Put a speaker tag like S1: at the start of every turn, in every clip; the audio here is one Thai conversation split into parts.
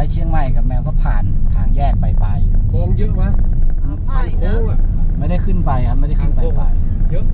S1: เชียงใหม่กับแมวก็ผ่านทางแยกไป
S2: โค้งเยอะมั้ยทางโค้งอ่ะ
S1: ไม่ได้ขึ้นไปครับไม่ได้ขึ้นไป
S2: เยอะ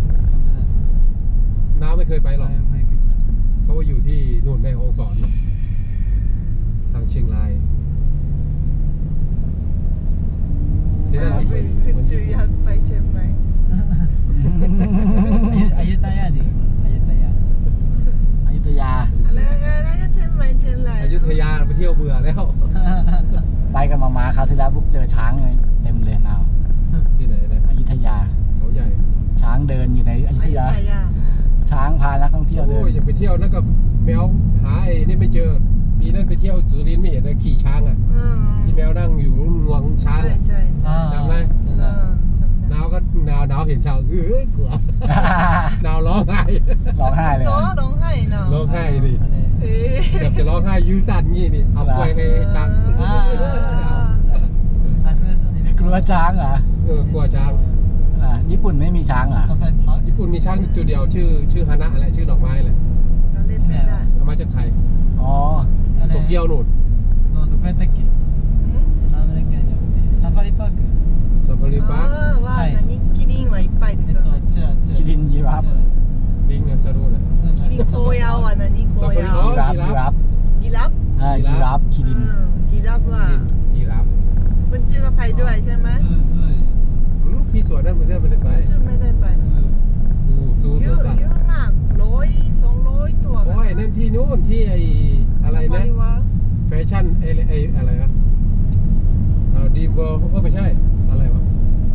S2: น้าไม่เคยไปหรอกเพราะว่าอยู่ที่นู่นแม่ฮ่องสอนทางเชียงรายที่นั่น
S3: คุณจูอยากไปเชียงใหม่
S4: อยุธยาดิอยุธยา
S3: แล้วก็เชียงใหม่เชียงราย
S2: อยุธยาไปเที่ยวเบื่อแล้ว
S1: ไปกับมาคราวที่แล้วบุ๊กเจอช้างเลยเต็มเลยเอา
S2: ที่ไหนนะ
S1: อยุธยา
S2: เขาใหญ่
S1: ช้างเดินอยู่ในอยุธยาช้างพานักท่องเที่ยวเดิน
S2: อย่าไปเที่ยวแล้วกับแมวหาไอ้นี่ไม่เจอปีนั้นไปเที่ยวสุรินทร์ไม่เห็นนะขี่ช้างอ่ะที่แมวนั่งอยู่งวงช้างจำไหมนาวก็นาวเห็นช้างกลัว นาวร้องไห้เลย
S3: ร้องไห้เนาะ
S2: ร้องไห้ดิแบบจะร้องไห้ยื้อสั่นงี้นี่เอากล้วยให้ช้าง
S1: กลัวช้างเหร
S2: อกลัวช้าง
S1: ญี่ปุ่นไม่มีช้างเหรอ
S2: ญี่ปุ่นมีช้างจุดเดียวชื่อฮานะอะไรชื่อดอกไม้เลยเอามาจากไทย
S1: อ๋อ
S2: โตเกียวนู่น
S4: どこやったっけナムだけじゃなくてサファリパーク
S3: ว่าキリンはいっぱいでしょ
S1: キリンยีราฟ
S2: ลิงเนี่ยสรุปเลย
S3: キリンโคยาวอ่ะนะนี่โคยาว
S1: ยีราฟ
S3: ยีราฟ
S1: คิริน
S3: ยีราฟว่า
S2: ยีราฟ
S3: มันชื่อก็ไปด้วยใช่ไหม
S2: พี่สวนนั่นมันชื่อไม่ได้ไป
S3: ชื่อไม่ได้ไป
S2: สู้
S3: เยอะมาก100-200ตัว
S2: โอ้ยนั่นที่นู้นที่ไออะไรนะแฟชั่นไออะไรนะดีเวิร์ไม่ใช่อะไรวะ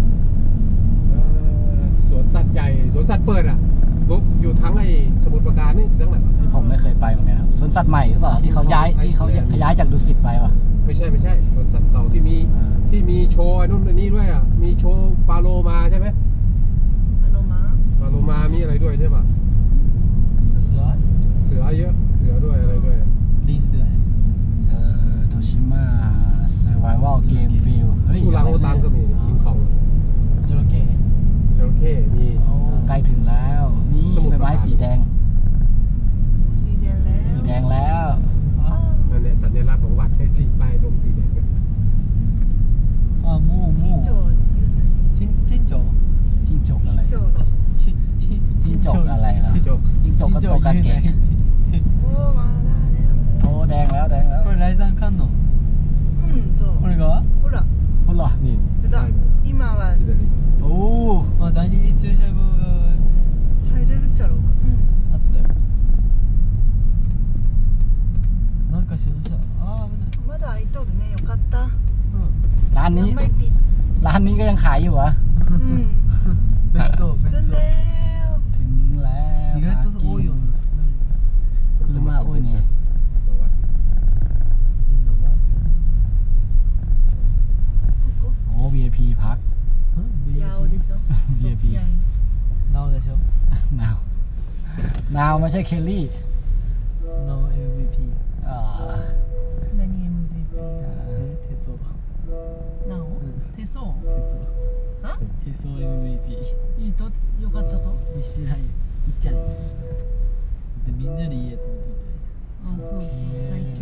S2: สวนสัตว์ใหญ่สวนสัตว์เปิดอ่ะบุ๊กอยู่ทั้งไอสมุทรปราการนี่ทั้งไหน
S1: ผมไม่เคยไปเหมือนกันครับสวนสัตว์ใหม่หรือเปล่าที่เขาย้ายจากดุสิตไปป่ะ
S2: ไม่ใช่สวนสัตว์เก่าที่มีโชว์ไอ้นู่นไอ้นี่ด้วยอ่ะมีโชว์ปลาโลมาใช่ไหมปลาโลมามีอะไรด้วยใช่ป่ะเสือเยอะเสือด้วยอะไรด้วย
S4: ลิงด้วย
S1: โตชิมะเซอร์ไววัลเกมฟิลเฮ้ย
S2: อุรังอุตังก็มีคิงคอง
S4: จระเข้
S2: มี
S1: ใกล้ถึงแล้วนี่ใบไม้สีแดงแล้ว
S2: นั่นแหละสัญลักษณ์ของวัดไอ้สีป้ายตรงสีแดง
S4: มูจิ้งจก
S1: อะไรจิ้งจกอะไรล่ะจิ้งจกก็โตกาเกะโอ้แดงแล้ว
S4: これライザンカンノ
S3: そう
S4: これが
S3: ほら
S2: นี่
S3: 今は
S1: โอ้
S4: 第二次駐車場が
S3: 入れるっちゃろうか
S4: あったよなんかしました危ない
S3: まだ開いとるねよかった
S1: ร้านนี้ก็ยังขายอยู่เหรอ
S4: 弁当
S1: ถึงแล้ว
S4: 意外と多いよね
S1: 車多いねโอ้ VIP พัก
S3: ยาวでしょ
S1: VIP
S4: นาวでしょ
S1: นาวไม่ใช่เคลลี่
S4: นาว MVP
S3: 何 MVP
S4: 手相
S3: なお手相
S4: 手相 MVP
S3: いいとよかったと
S4: 一緒らいいっちゃうでみんなでいいやつ見てい
S3: そう最強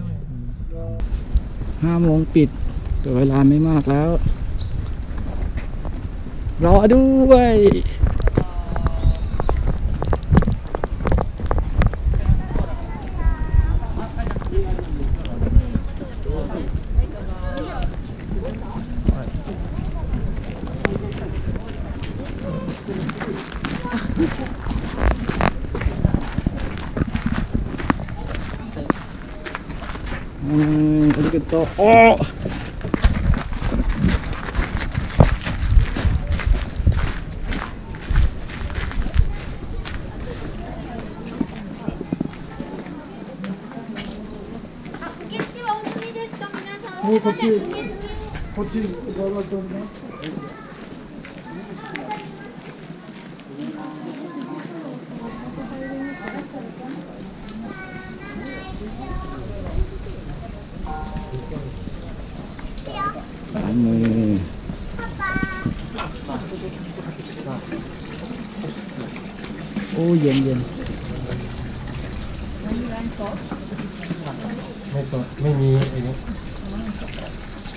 S1: 5
S3: や
S1: โมงปิดแต่เวลาไม่มากแล้วรอด้วยありがとう。おーこっち伺っております。โอ้เย็น
S2: ไม่มีไอ้นี้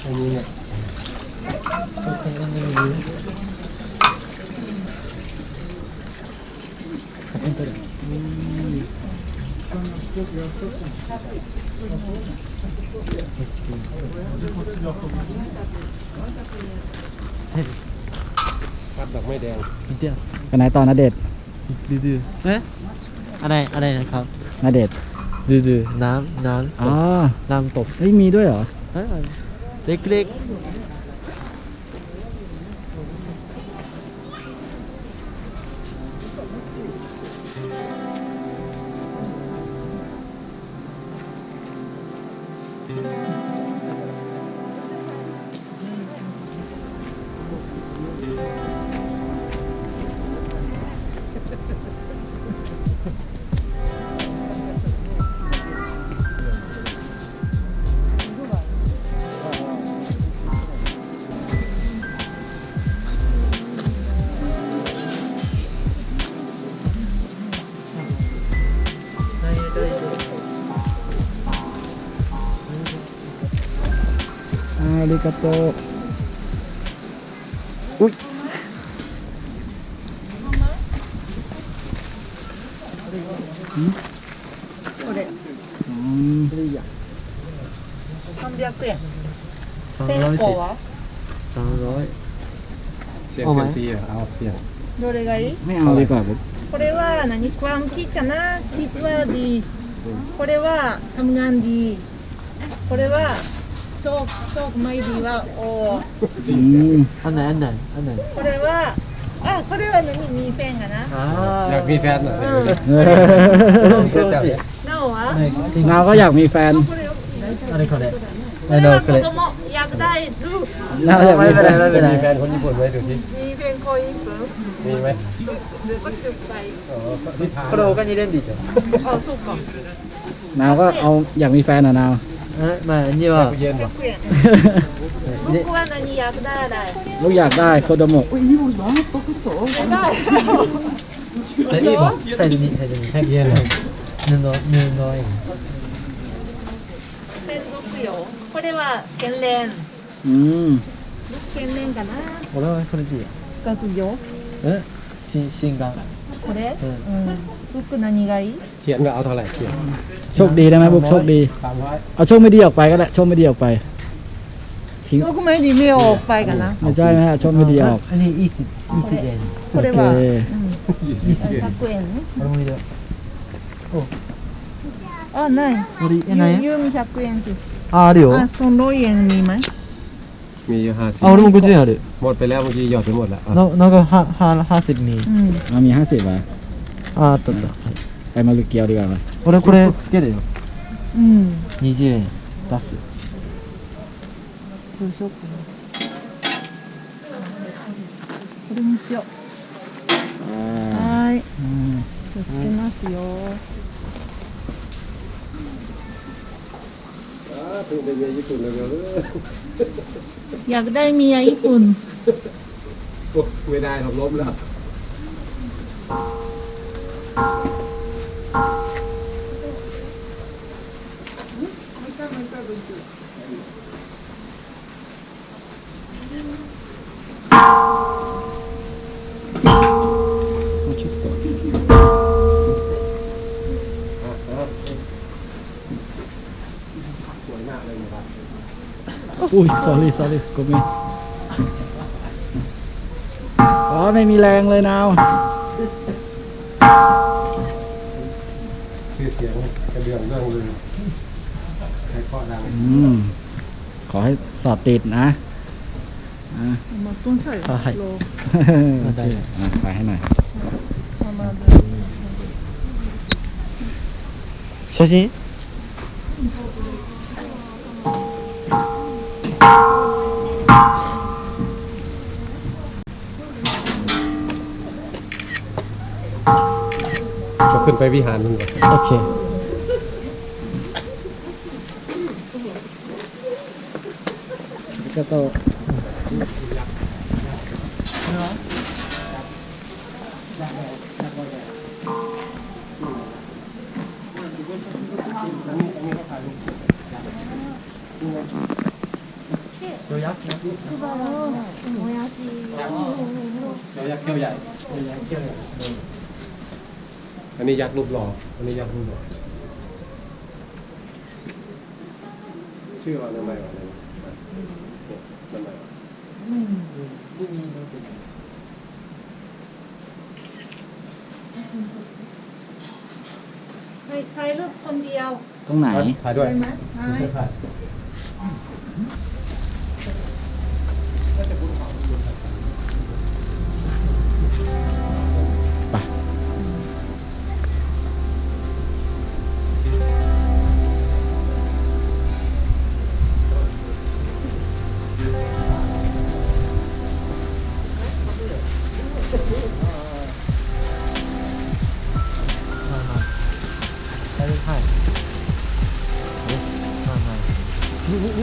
S2: อันนี้เนี่ย ครับดอกไม้แดง
S4: เดี๋ยว
S1: ไปไหนต่อนะเดชน์
S4: ดื้อๆอะไรนะครับ
S1: นะเดชน์
S4: ดื้อๆน้ำ
S1: อ๋อ
S4: น้ำตก
S1: เฮ้ยมีด้วยเหรอ
S4: เล็ก
S1: อาริกาโตอุ้ย
S3: これ
S1: อืม
S3: 300円
S4: 300
S3: 1000個は
S4: 300
S2: เสียง
S4: เอาไหม
S2: เซียมซีเหรอเอาเสียง
S3: どれがいい
S1: ไม่เอาดีกว่าบุ๊ค
S3: これは何ความคิดかなคิดว่าดีこれはทำงานดีこれはโชคไม่ดีว่าโอ้
S1: อืม
S4: อันไหน
S3: これはこれは何มีแฟนกันนะ
S2: อยากมีแฟนเหรอ
S1: เออ
S2: มีแฟนจับเนี่ย
S3: なおは
S1: เราก็อยากมีแฟน
S3: これを
S4: อะไรこれ
S3: これは子供อยากได้ลูก
S1: เราอยากมีแฟน
S4: ไม่เป็นไร
S2: มีแฟนคนญี่ปุ่นไหมดูสิ
S3: มีแฟนคนญี่ปุ่น
S2: มีไหม
S3: ก็จุดไป
S2: อ๋อที่ผ่าน
S4: これ他に入れんでいいじゃん
S3: あそうか
S1: นาวก็เอาอยากมีแฟนอ่ะนาว
S4: まあには
S2: เย็นเหรอ
S3: 100円僕は何อยากได้อะไร
S1: ลูกอยากได้โคโดโมะ
S3: ได้
S4: サイズに
S2: เย็นเหรอ
S4: 布円
S3: 16よこれは天然
S1: อืม
S3: 天然かな
S4: 俺はこれでいいよ
S3: 学業
S4: 新眼
S3: これ服何がいい
S2: เขียนว่าเอาเท่าไหร่เขียน
S1: โชคดีได้ไหมบุ๊คโชคดี
S2: 300
S1: เอาโชคไม่ดีออกไปก็ได้โชคไม่ดีออกไปทิ้ง
S3: โชคไม่ดีไม่ออกไปกันนะ
S1: ไม่ใช่ไหมฮะโชคไม่ดีออก
S4: อันนี้いい円
S3: これは
S1: オッケー
S3: 100円
S4: 俺も入れよう
S3: あない
S4: 俺ない
S3: ユーミ100円って
S4: あるよ
S3: あその円見まい
S2: มีอยู่50
S4: あ俺も50円ある
S2: หมดไปแล้วเมื่อกี้หยอดไปหมดแล้วอ่ะ
S4: なんか80ミリ
S3: うん
S1: เรามี50บาท
S4: ああった
S1: ไปมาลุเกียวดีกว่าไหม
S4: 俺これつけるよ
S3: うん
S4: 20円出す
S3: どうしようかなこれにしようはーい
S1: อืม
S3: 気をつけますよ
S2: เพิ่งไปเรียนญี่ปุ่นเร็วๆเลย
S3: อยากได้เมียญี่ปุ่น
S2: โอ้ไม่ได้หรอกล้มแล้ว
S1: เอาชุดก่อน
S2: สวยมากเลยนะครับ
S1: อุ้ย sorry กูมีอ๋อไม่มีแรงเลยนาว
S2: ชื่อเสียงกระเดื่องเรื่องลือใครข้อดัง
S1: อืมขอให้สอบติดนะอ่ะ
S3: まあどんさい
S4: はい
S3: ロー
S1: ได้อ่ะไปให้หน่อย
S3: まあまあ
S4: 写真
S2: ก็ขึ้นไปวิหารนึงก่อน
S4: オッケー
S1: ก็โต
S3: で
S4: 予約
S5: 湯葉のもやし
S2: เรายักษ์เขี้ยวใหญ่อันนี้ยักษ์รูปหล่ออันนี้ยักษ์รูปหล่อชื่อว่าทำไมวะเนี่ยทำไมวะ
S4: ไม่มีรู้สึก
S3: ถ่ายรูปคนเดียว
S1: ตรงไหน
S2: ถ่ายด้วย
S3: ได้ไหมถ่าย
S2: ถ่าย
S1: ไป
S4: ใช่ใช่มา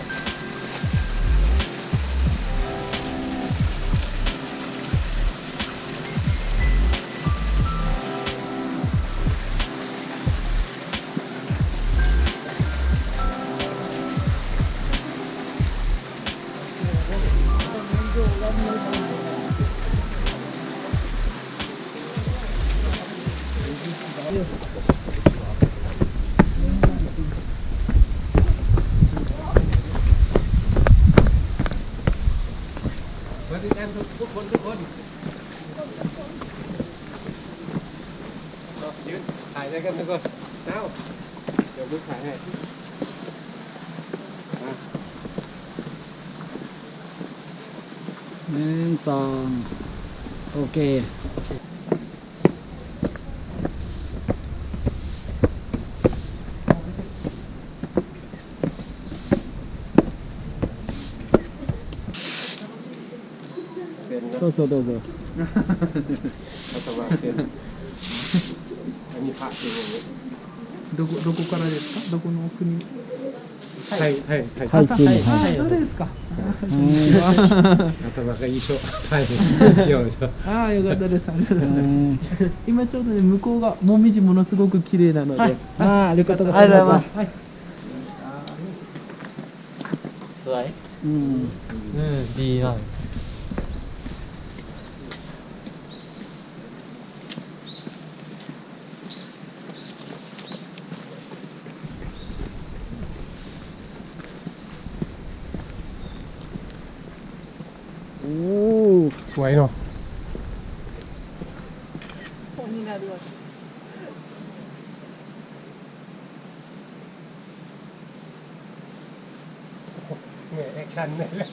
S2: มาที่แอนทุกคนยืนถ่ายได้กันทุกคนเอ้าเดี๋ยวลูกถ่ายให้
S1: 1 2โอเค
S2: เซ็นนะ
S1: どうぞどうぞ
S2: รัฐบาลเซ็นอันนี้พระจริงอย่างนี้
S4: どこからですかどこの国
S2: ไทย
S1: はいチームは
S4: はい
S1: い
S4: そうですか
S2: รัฐบาลก็一緒ไทยเกี่ยวใช่
S4: ああよかったですありがとうございます
S1: うん
S4: 今ちょうどね向こうがもみじものすごく綺麗なので、
S1: ありがとうござい
S4: ありがとうござい
S1: ま
S4: ますす。はい。สวย
S1: うん
S4: ดีมาก
S1: おお
S2: สวยเนาะ
S3: คนになるわけ
S2: เนี่ยแอคชั่นเนี่ยแล้ว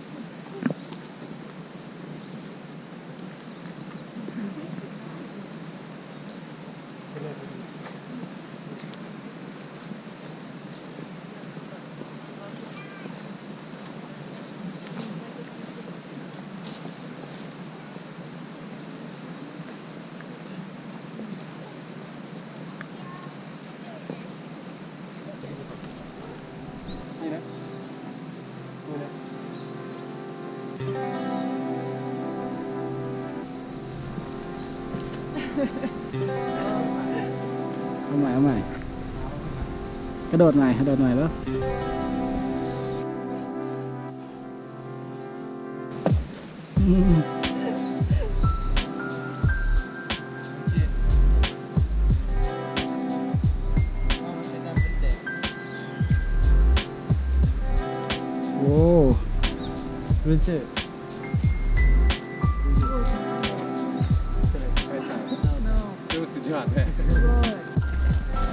S2: นี่นะนี่นะ
S1: เอาใหม่เอาใหม่กระโดดใหม่กระโดดใหม่แล้วอืมโอ้
S4: 宇宙
S2: ไปถ่ายดูสุดยอดเลย
S3: すごい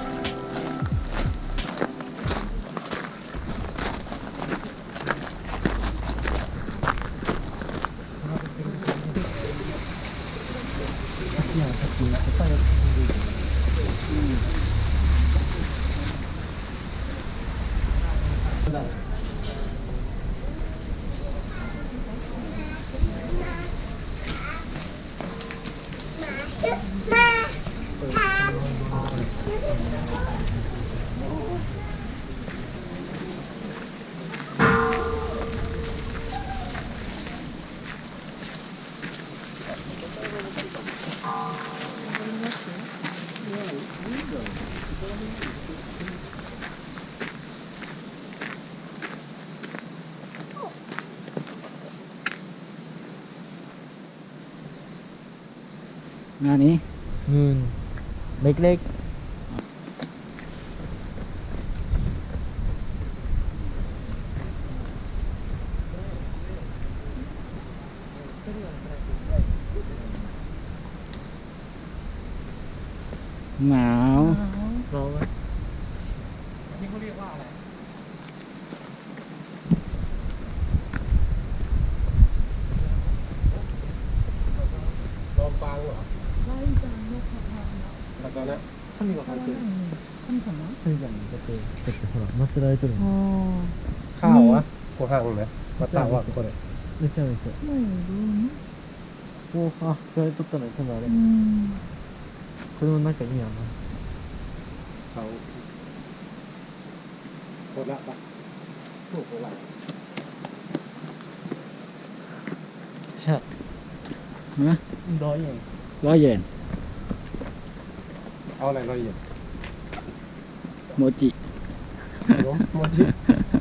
S2: เ
S1: งานนี้
S4: มูนเล็ก
S1: หนาว
S4: ๆร้อนไหม
S2: อันนี้เขาเรียกว่าอะไรลองฟังเหรอแล้วก็นะ
S4: 神が書いてる神様だってほら祀られてるの
S2: ข้าวอะโคหังนะมาตาวะこれ
S4: めちゃめちゃおあそれ取ったのに多分あれこれもなんか意味あるな
S2: เขาโคละปะถูกโคละ
S4: ใช่
S1: นะ
S4: 100円
S1: 100 เยน
S2: เอาอะไรละเอียด
S1: โมจิ
S2: ขนมโมจิ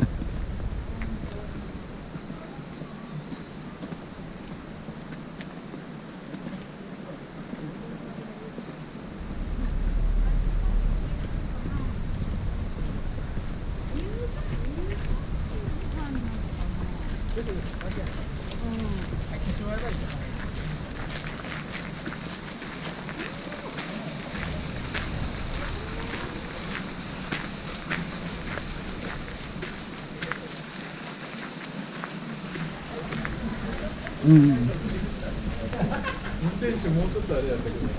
S1: うん。
S2: 運転手もうちょっとあれやったけど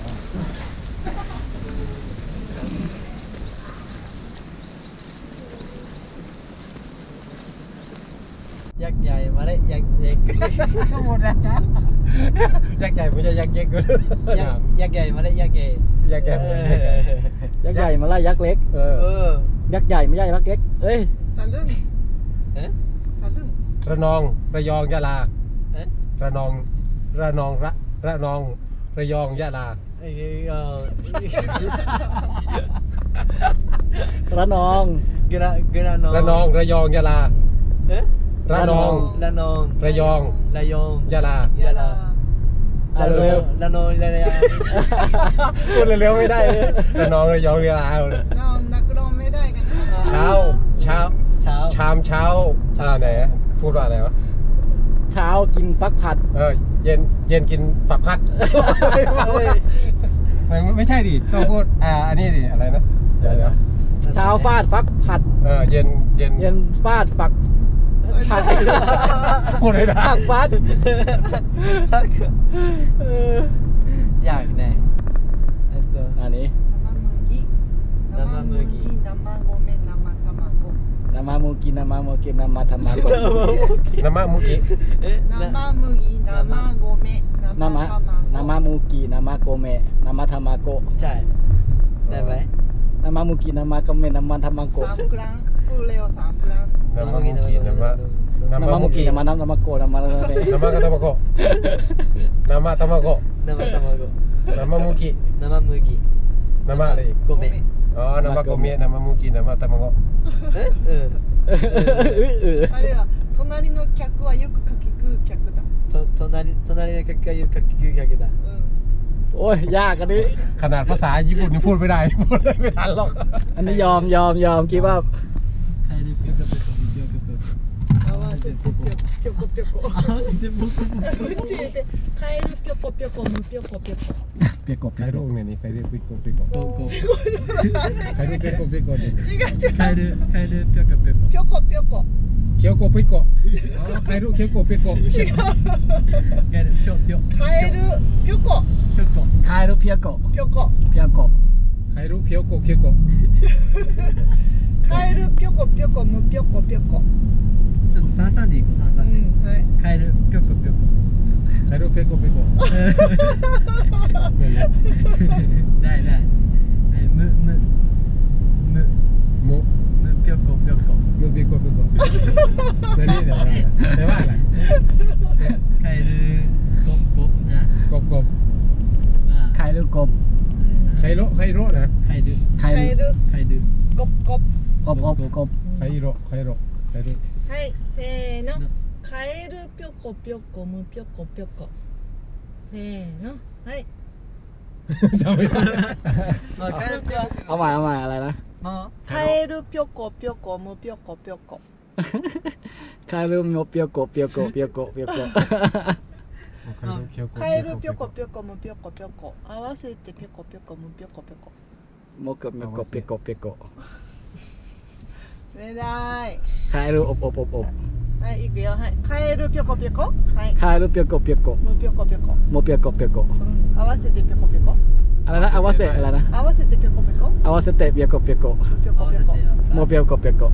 S4: ยักษ์ใหญ่มาเลยยักษ์เล็กหมดแล้วนะยักษ์ใหญ่ไม่ใช่ยักษ์เล็กก็ยักษ์ใหญ่มาเลยยักษ์ใหญ่
S2: ยักษ์ใหญ่
S1: ยักษ์ใหญ่มาไล่ยักษ์เล็ก
S2: เออ
S1: ยักษ์ใหญ่ไม่ใช่ยักษ์เล็ก เอ้ย
S3: ตะลึง
S4: เอ๊ะ
S3: ตะลึง
S2: ระนองระยองยะลา
S4: เอ๊ะ
S2: ระนองระนองระนองระยองยะลา
S1: ระนอง
S4: กระนอง
S2: ระนองระยองยะลา
S4: เอ๊ะ
S2: ระนอง
S4: ระนอง
S2: ระยอง
S4: ระยอง
S2: ยะลา
S3: ยะลา
S1: เอาเร็ว
S4: ระนองระยอง
S2: พูดเร็วๆไม่ได้เลยระนองระยองยะลาเลย
S3: เรานักร้องไม่ได้กันนะ
S2: เช้า
S4: เช้า
S2: ชามเช้าไหนพูดว่าอะไรวะ
S1: เช้ากินฟักผัด
S2: เย็นกินฝักพัดไม่ใช่ดิต้องพูดอันนี้ดิอะไรนะเดี๋ยว
S1: เช้าฟาดฟักผัด
S2: เย็น
S1: เย็นฟาดฝักผัด
S2: พูดไม่ได้
S1: ฝักฟัด
S4: อยากแน่
S1: อันนี้
S3: 生麦生米生卵
S1: นามามูกินามาโมกินามาทามาโก
S2: น้ำมะมุกิ
S3: 生麦生米生
S1: นามานามา
S3: 卵
S1: มูกินามาโกเมะนามาทามาโก
S4: ใช่ได้ไหม
S1: นามามูกินามาโกเมะนามาทามาโก
S3: 3กรัมพูดเร็ว3กรัม
S2: น้ำมะมุกิน้ำมะ
S1: นามามูกินามานามาโกนามาอะไร
S2: น้ำมะกะตะมะโกน้ำมะตะมะโก
S4: 生卵
S2: น้ำมะมุกิ
S4: 生麦
S2: น้ำมะอะไรอีก
S4: 米
S2: น้ำมะโกเมะน้ำมะมุกิน้ำมะตะมะโก
S3: あれは隣の客はよくかき食う客だ
S4: 隣の客が言うかき食う客だ
S1: โอ้ยยากอันนี้
S2: ขนาดภาษาญี่ปุ่นนี่พูดไม่ได้พูดไม่ทันหรอก
S1: อันนี้ยอมคิดว่า
S4: カエルピョコピョコピョコピョコ
S3: 合わせてぴょこぴょこ
S4: 合わせてポコポコ
S3: うちでカエルぴょこぴょこむぴょこぴょこ
S1: เปียกกบ
S2: ใครรู้เนี่ยนี่ใครเรียกปิโกปิโก
S4: ポコ
S2: ใครเรียกปิโกปิโกเนี่ย
S3: 違う違う
S4: カエルピョコピョコ
S3: ぴょこぴょこ
S2: เคียวโกปิโกใครรู้เคียวโกปิโก
S3: 違う
S4: カエルピョピョ
S3: カエルぴょこ
S4: ピョコ
S1: คายรูเปียกโก
S3: ぴょこ
S1: เปียกโก
S2: ใครรู้เคียวโกเคียวโก
S3: カエルぴょこぴょこむぴょこぴょこ
S4: ちょっと三三でいこう三三で
S3: はい
S4: カエルピョコピョコ
S2: ใครรู้เปียโกปิโก
S4: ได้むピョコピョコ
S2: มึงปิโกปิโกแล้วนี่เดี๋ยวแปลว่าอะไร
S4: カエルกบนะ
S2: กบ
S4: ว่า
S1: คายรูกบ
S2: ใครรู้นะ
S4: カエル
S1: คาย
S3: カエル
S4: カエル
S3: ゴッゴッ
S1: กบ
S2: ใครรู้
S3: はいせーのカエルぴょこぴょこむぴょこぴょこせーのはい
S2: จำไม่ได้
S4: もう帰るぴょ
S1: เอาใหม่อะไรนะ
S4: もう
S3: カエルぴょこぴょこむぴょこぴょこ
S1: คารุโมเปียวโกเปียวโกเปียวโกเปียวโก
S3: カエルぴょこぴょこむぴょこぴょこ合わせてぴょこぴょこむぴょこぴょこ
S1: โมโกเปียวโกเปียวโกเปียวโก
S3: ไม่ได้
S1: คารุอบ
S3: はい行くよはいカエルぴょこぴょこはい
S1: คารุเปียวโกเปียวโก
S3: むぴょこぴょこ
S1: โมเปียวโกเปียวโก
S3: うん合わせてぴょこぴょこ
S1: อะไรนะอาวาเซอะไรนะ
S3: 合わせてぴょこぴょこ
S1: อาวาเซเตเปียวโกเปียวโก
S3: むぴょこぴょこ
S1: โมเปียวโกเปียวโก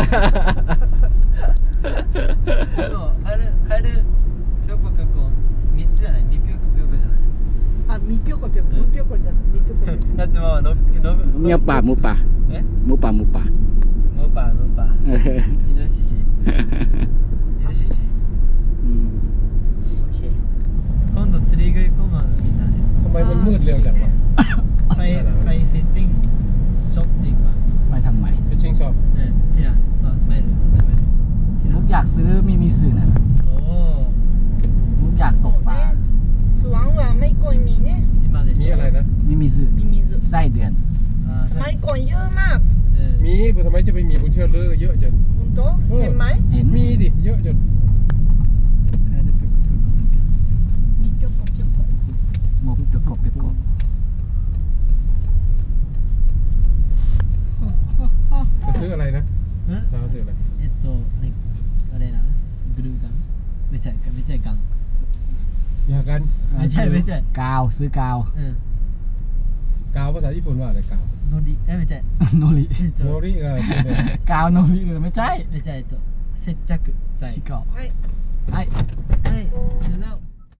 S4: でも帰るぴょこぴょこ3つじゃない2ぴょこぴょこじゃない
S3: あみぴょこぴょこむぴょこじゃないみぴょこぴょこ
S4: だってまあ
S1: เมียวป่าหมูป่า
S4: え
S1: หมูป่า
S4: ムーパーイノシシ
S1: อืม
S4: オッケー今度釣り具行こうまみんなで
S2: ทำไมมันมืดเร็วจังวะ
S4: ไปฟิชชิ่งช็อปดีกว่า
S1: ไปทำไม
S2: ไปชิงชอบ
S4: ที่ร้านต่อไม่รู้ที่
S1: ลู
S4: ร้าน
S1: กอยากซื้อมีสื่อน่ะ
S4: โอ้
S1: ลูกอยากตกปลา
S3: スワンはไม่ค่อยมีเนี่ย
S4: 今でし
S2: มี
S4: た
S2: อะไรนะ
S1: มีสื่อ
S3: มีมีズ
S1: ไส้เดือน
S3: สมัยก่อนเยอะมาก
S2: มีทำไมจะไปมีบุญเชื่อเลือเยอะจน
S3: 本当เห็นไหม
S1: เห็น
S2: มีดิเยอะจน
S3: มีぴょこぴょこ
S1: โมเปียวโกเปียวโก
S2: จะซื้ออะไรนะเราซื้ออะไร
S4: あれなグルーガンめちゃガン
S2: อยากกัน
S4: ไม่ใช่
S1: กาวซื้อกาว
S2: กาวภาษาญี่ปุ่นว่าอะไรกาว
S4: ノリめちゃ
S1: โนริ
S2: โนริ
S1: กาวโนริเลยไม่ใช่
S4: めちゃ接着剤
S1: ชิโกะ
S3: はい
S1: はい
S4: はい